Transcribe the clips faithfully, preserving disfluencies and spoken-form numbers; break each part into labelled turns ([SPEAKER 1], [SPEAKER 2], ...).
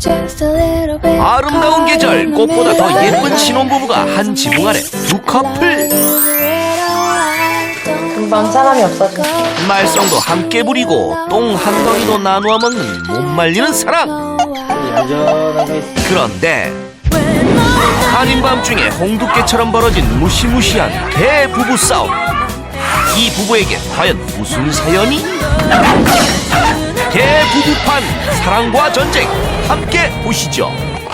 [SPEAKER 1] 아름다운 계절, 꽃보다 더 예쁜 신혼부부가 한 지붕 아래 두 커플.
[SPEAKER 2] 금방 사람이 없어져.
[SPEAKER 1] 말썽도 함께 부리고 똥 한 덩이도 나누어 먹는 못 말리는 사랑. 그런데 아닌 밤중에 홍두깨처럼 벌어진 무시무시한 개 부부 싸움. 이 부부에게 과연 무슨 사연이? 개 부부판 사랑과 전쟁 함께 보시죠.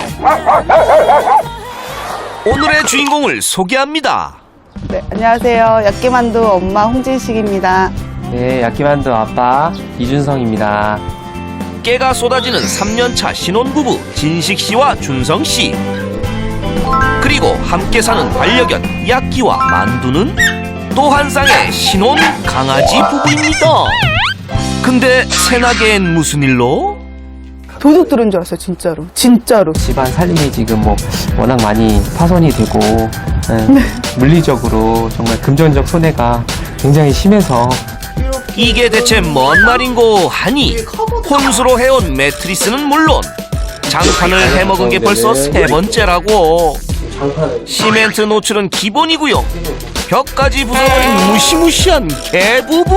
[SPEAKER 1] 오늘의 주인공을 소개합니다.
[SPEAKER 3] 네, 안녕하세요. 야끼만두 엄마 홍진식입니다.
[SPEAKER 4] 네, 야끼만두 아빠 이준성입니다.
[SPEAKER 1] 깨가 쏟아지는 삼 년차 신혼부부 진식씨와 준성씨. 그리고 함께 사는 반려견 야끼와 만두는 또 한 쌍의 신혼 강아지 부부입니다. 근데 새나개엔 무슨 일로?
[SPEAKER 3] 도둑 들은 줄 알았어요, 진짜로. 진짜로.
[SPEAKER 4] 집안 살림이 지금 뭐 워낙 많이 파손이 되고 예, 물리적으로 정말 금전적 손해가 굉장히 심해서
[SPEAKER 1] 이게 대체 뭔 말인고 하니 혼수로 해온 매트리스는 물론 장판을 해먹은 게 벌써 세 번째라고. 시멘트 노출은 기본이고요. 벽까지 부숴버린 무시무시한 개부부?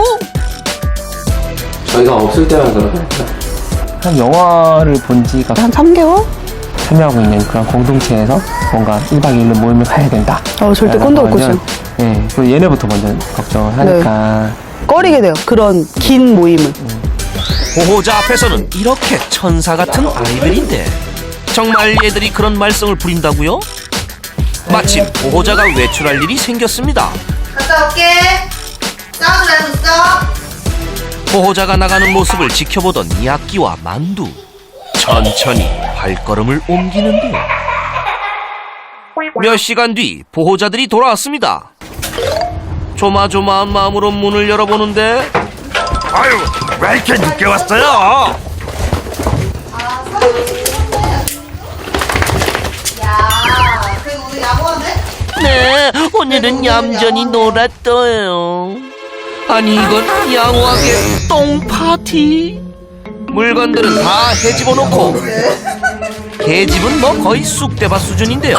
[SPEAKER 4] 저희가 없을 때만 그러니까 한 영화를 본 지가
[SPEAKER 3] 한 삼 개월?
[SPEAKER 4] 참여하고 있는 그런 공동체에서 뭔가 일 박 이 일로 모임을 가야 된다.
[SPEAKER 3] 어, 절대 꼰대 없고 싶어요.
[SPEAKER 4] 네, 그리고 얘네부터 먼저 걱정을 하니까
[SPEAKER 3] 꺼리게 돼요, 그런 긴 모임을.
[SPEAKER 1] 보호자 앞에서는 이렇게 천사 같은 아이들인데 정말 얘들이 그런 말썽을 부린다고요? 마침 보호자가 외출할 일이 생겼습니다.
[SPEAKER 5] 갔다 올게. 싸우지 말고 있어.
[SPEAKER 1] 보호자가 나가는 모습을 지켜보던 야끼와 만두. 천천히 발걸음을 옮기는데 몇 시간 뒤 보호자들이 돌아왔습니다. 조마조마한 마음으로 문을 열어보는데 아유, 왜 이렇게 늦게 왔어요?
[SPEAKER 5] 야, 그리고 오늘 야구하네?
[SPEAKER 1] 네, 오늘은 얌전히 놀았어요. 아니 이건 양호하게 똥 파티? 물건들은 다 헤집어 놓고 개집은 뭐 거의 쑥대밭 수준인데요.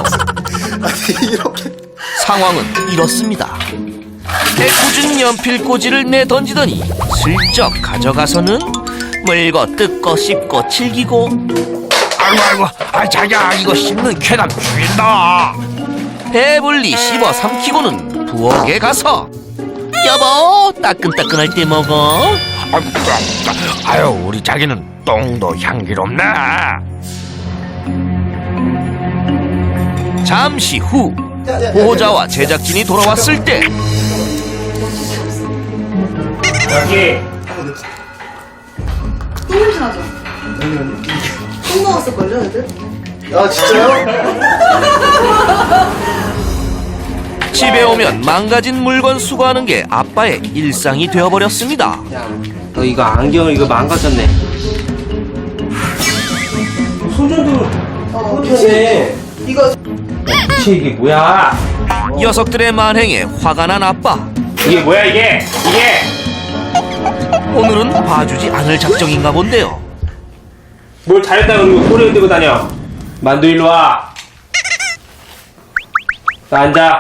[SPEAKER 1] 상황은 이렇습니다. 애꿎은 연필꽂이를 내던지더니 슬쩍 가져가서는 물고 뜯고 씹고 칠기고. 아이고 아이고, 아 자기야 이거 씹는 쾌감 죽인다. 배불리 씹어 삼키고는 부엌에 가서 여보 따끈따끈할 때 먹어. 아유 우리 자기는 똥도 향기롭네. 잠시 후 보호자와 제작진이 돌아왔을 때
[SPEAKER 4] 여기
[SPEAKER 5] 똥냄새 나죠? 똥 먹었을걸요, 애들?
[SPEAKER 6] 아 진짜요?
[SPEAKER 1] 집에 오면 망가진 물건 수거하는 게 아빠의 일상이 되어버렸습니다.
[SPEAKER 4] 너 이거 안경 이거 망가졌네. 손전등
[SPEAKER 5] 어,
[SPEAKER 4] 네
[SPEAKER 5] 이거
[SPEAKER 4] 대체 이게 뭐야?
[SPEAKER 1] 녀석들의 만행에 화가 난 아빠.
[SPEAKER 4] 이게 뭐야 이게? 이게
[SPEAKER 1] 오늘은 봐주지 않을 작정인가 본데요.
[SPEAKER 4] 뭘 잘했다 그러고 소리 흔들고 다녀. 만두 일로 와. 나 앉아.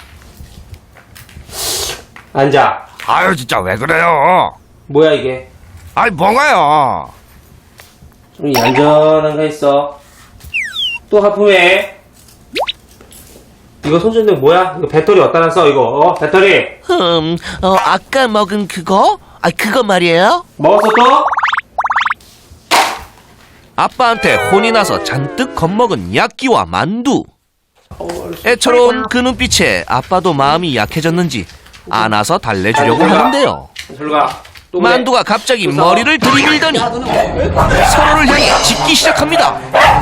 [SPEAKER 4] 앉아.
[SPEAKER 1] 아유 진짜 왜 그래요?
[SPEAKER 4] 뭐야 이게?
[SPEAKER 1] 아이 뭐가요?
[SPEAKER 4] 좀 얌전한 거 있어. 또 하품해. 이거 손전등 뭐야? 이거 배터리 어디다 놨어 이거? 어? 배터리
[SPEAKER 1] 흠, 어, 아까 먹은 그거? 아 그거 말이에요?
[SPEAKER 4] 먹었어 또?
[SPEAKER 1] 아빠한테 혼이 나서 잔뜩 겁먹은 야끼와 만두. 애처로운 그 눈빛에 아빠도 마음이 약해졌는지 안아서 달래주려고 하는데요.
[SPEAKER 4] 저리 가. 또 그래.
[SPEAKER 1] 만두가 갑자기 머리를 들이밀더니 서로를 향해 짖기 시작합니다.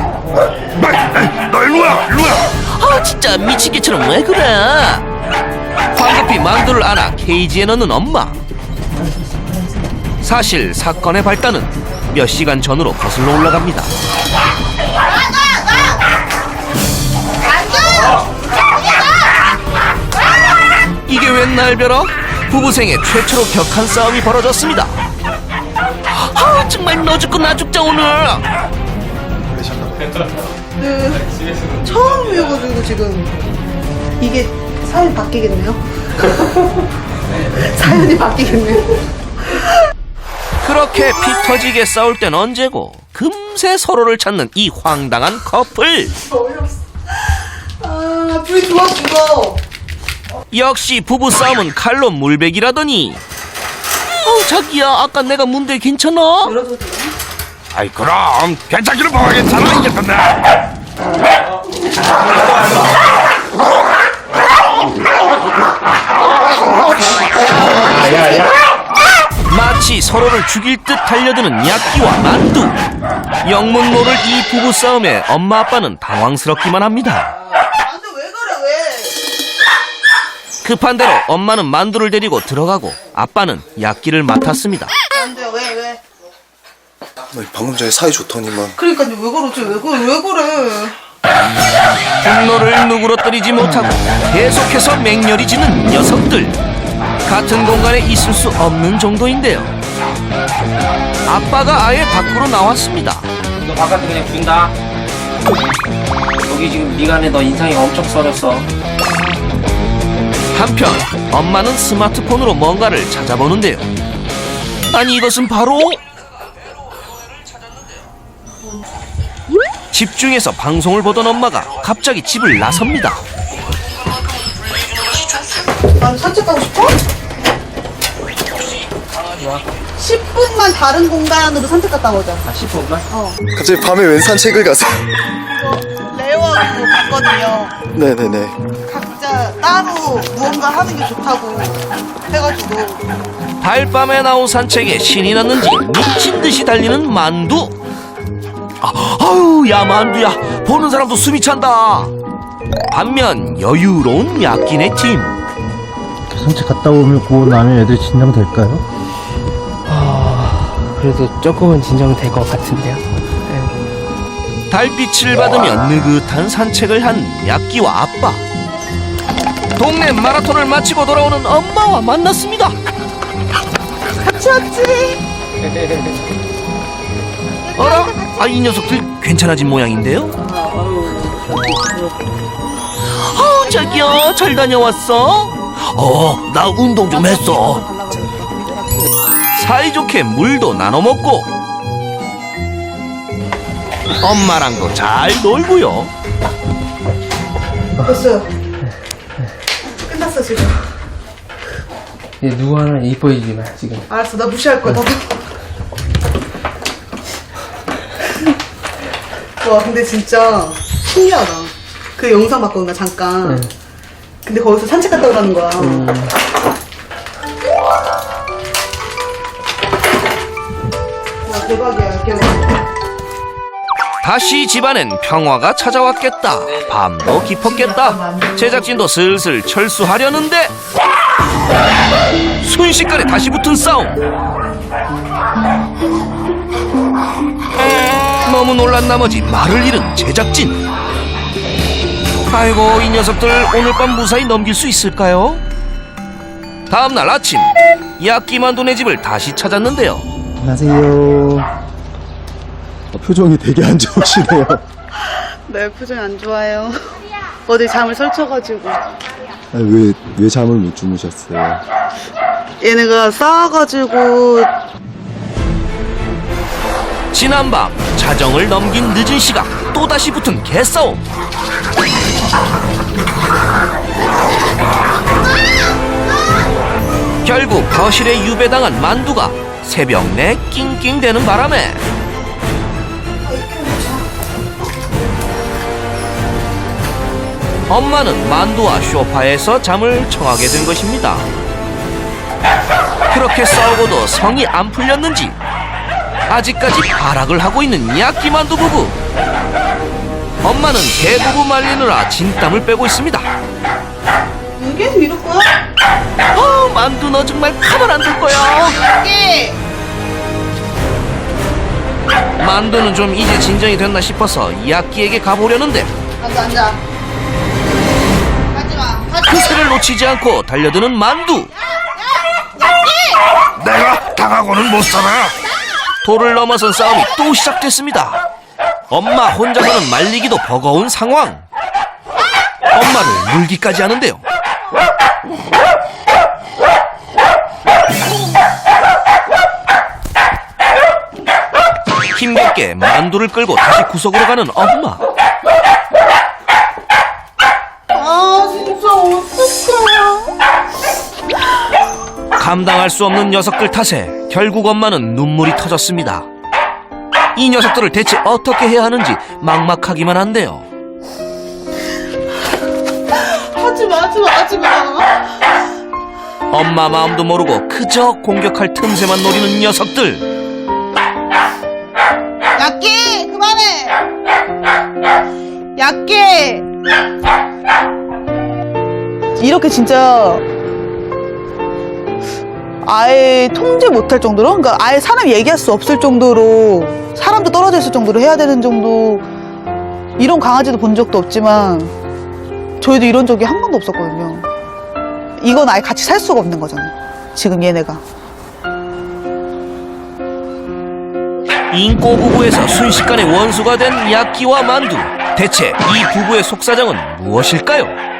[SPEAKER 1] 너 일로와 일로와. 아 진짜 미친개처럼 왜 그래. 황급히 만두를 안아 케이지에 넣는 엄마. 사실 사건의 발단은 몇 시간 전으로 거슬러 올라갑니다. 이게 웬 날벼락? 부부 생애 최초로 격한 싸움이 벌어졌습니다. 아 정말 너 죽고 나 죽자 오늘.
[SPEAKER 6] 그래 잠깐만.
[SPEAKER 5] 그 처음이어가지고 지금 이게 사연이 바뀌겠네요. 사연이 바뀌겠네요.
[SPEAKER 1] 그렇게 피 터지게 싸울 땐 언제고 금세 서로를 찾는 이 황당한 커플.
[SPEAKER 5] 어이없어. 아, 둘이 좋아 죽어.
[SPEAKER 1] 역시 부부싸움은 칼로 물베기라더니. 어 자기야 아까 내가 문대 괜찮아?
[SPEAKER 5] 열어도 돼요?
[SPEAKER 2] 아이 그럼 괜찮기는 뭐가 괜찮아 이겼던데.
[SPEAKER 1] 마치 서로를 죽일 듯 달려드는 약기와 만두. 영문 모를 이 부부싸움에 엄마 아빠는 당황스럽기만 합니다.
[SPEAKER 5] 안돼 왜 그래 왜?
[SPEAKER 1] 급한 대로 엄마는 만두를 데리고 들어가고 아빠는 약기를 맡았습니다.
[SPEAKER 5] 안돼 왜 왜?
[SPEAKER 6] 아니, 방금 전에 사이 좋더니만.
[SPEAKER 5] 그러니까 왜 그러지 왜 그래 왜 그래?
[SPEAKER 1] 분노를 누그러뜨리지 못하고 계속해서 맹렬히 지는 녀석들. 같은 공간에 있을 수 없는 정도인데요. 아빠가 아예 밖으로 나왔습니다.
[SPEAKER 4] 너 바깥에 그냥 둔다. 여기 지금 미간에 너 인상이 엄청 써졌어.
[SPEAKER 1] 한편 엄마는 스마트폰으로 뭔가를 찾아보는데요. 아니 이것은 바로 집중해서 방송을 보던 엄마가 갑자기 집을 나섭니다.
[SPEAKER 5] 난 산책 가고 싶어? 십 분만 다른 공간으로 산책 갔다 오자.
[SPEAKER 4] 아, 십 분만?
[SPEAKER 6] 갑자기 밤에 웬 산책을 가세요?
[SPEAKER 5] 레어로 갔거든요.
[SPEAKER 6] 네네네.
[SPEAKER 5] 각자 따로 무언가 하는 게 좋다고 해가지고.
[SPEAKER 1] 달밤에 나온 산책에 신이 났는지 미친 듯이 달리는 만두. 아, 아유 야 만두야 보는 사람도 숨이 찬다. 반면 여유로운 약기네 팀.
[SPEAKER 7] 산책 갔다 오고 나면 애들 진정될까요?
[SPEAKER 8] 그래도 조금은 진정될 것 같은데요.
[SPEAKER 1] 달빛을 받으며 느긋한 산책을 한 약기와 아빠. 동네 마라톤을 마치고 돌아오는 엄마와 만났습니다.
[SPEAKER 5] 같이 왔지?
[SPEAKER 1] 어라? 아, 이 녀석들 괜찮아진 모양인데요? 어, 자기야, 잘 다녀왔어? 어, 나 운동 좀 했어. 사이좋게 물도 나눠 먹고 엄마랑도 잘 놀고요.
[SPEAKER 5] 됐어요. 끝났어 지금.
[SPEAKER 8] 이제 누구 하나 이뻐지지 마 지금.
[SPEAKER 5] 알았어 나 무시할 거야. 나도. 와 근데 진짜 신기하다. 그 영상 봤거든 나 잠깐.
[SPEAKER 8] 네.
[SPEAKER 5] 근데 거기서 산책 갔다 오라는 거야.
[SPEAKER 8] 음.
[SPEAKER 5] 와 대박이야 대박.
[SPEAKER 1] 다시 집안엔 평화가 찾아왔겠다. 밤도 깊었겠다. 제작진도 슬슬 철수하려는데 순식간에 다시 붙은 싸움. 너무 놀란 나머지 말을 잃은 제작진. 아이고 이 녀석들 오늘 밤 무사히 넘길 수 있을까요? 다음날 아침 야끼만두네 집을 다시 찾았는데요.
[SPEAKER 7] 안녕하세요. 표정이 되게 안 좋으시네요.
[SPEAKER 5] 네 표정이 안 좋아요. 어제 잠을 설쳐가지고.
[SPEAKER 7] 왜, 왜 잠을 못 주무셨어요?
[SPEAKER 5] 얘네가 싸워가지고.
[SPEAKER 1] 지난밤 자정을 넘긴 늦은 시각 또다시 붙은 개싸움. 결국 거실에 유배당한 만두가 새벽 내 낑낑대는 바람에 엄마는 만두와 소파에서 잠을 청하게 된 것입니다. 그렇게 싸우고도 성이 안 풀렸는지 아직까지 발악을 하고 있는 야끼만두 부부. 엄마는 개부부 말리느라 진땀을 빼고 있습니다.
[SPEAKER 5] 이게 이럴 거야?
[SPEAKER 1] 어, 만두 너 정말 가만 안 둘 거야.
[SPEAKER 5] 이게.
[SPEAKER 1] 만두는 좀 이제 진정이 됐나 싶어서 야끼에게 가보려는데
[SPEAKER 5] 앉아 앉아. 가지마.
[SPEAKER 1] 그새를 놓치지 않고 달려드는 만두.
[SPEAKER 2] 내가 당하고는 못 살아.
[SPEAKER 1] 도를 넘어선 싸움이 또 시작됐습니다. 엄마 혼자서는 말리기도 버거운 상황. 엄마를 물기까지 하는데요. 힘겹게 만두를 끌고 다시 구석으로 가는 엄마.
[SPEAKER 5] 아 진짜 어떡해.
[SPEAKER 1] 감당할 수 없는 녀석들 탓에 결국 엄마는 눈물이 터졌습니다. 이 녀석들을 대체 어떻게 해야 하는지 막막하기만 한데요.
[SPEAKER 5] 하지마 하지마 하지마.
[SPEAKER 1] 엄마 마음도 모르고 그저 공격할 틈새만 노리는 녀석들.
[SPEAKER 5] 얕게 그만해. 얕게.
[SPEAKER 3] 이렇게 진짜 아예 통제 못할 정도로, 그러니까 아예 사람 얘기할 수 없을 정도로, 사람도 떨어져 있을 정도로 해야 되는 정도. 이런 강아지도 본 적도 없지만 저희도 이런 적이 한 번도 없었거든요. 이건 아예 같이 살 수가 없는 거잖아요, 지금 얘네가.
[SPEAKER 1] 인꼬 부부에서 순식간에 원수가 된 야끼와 만두. 대체 이 부부의 속사정은 무엇일까요?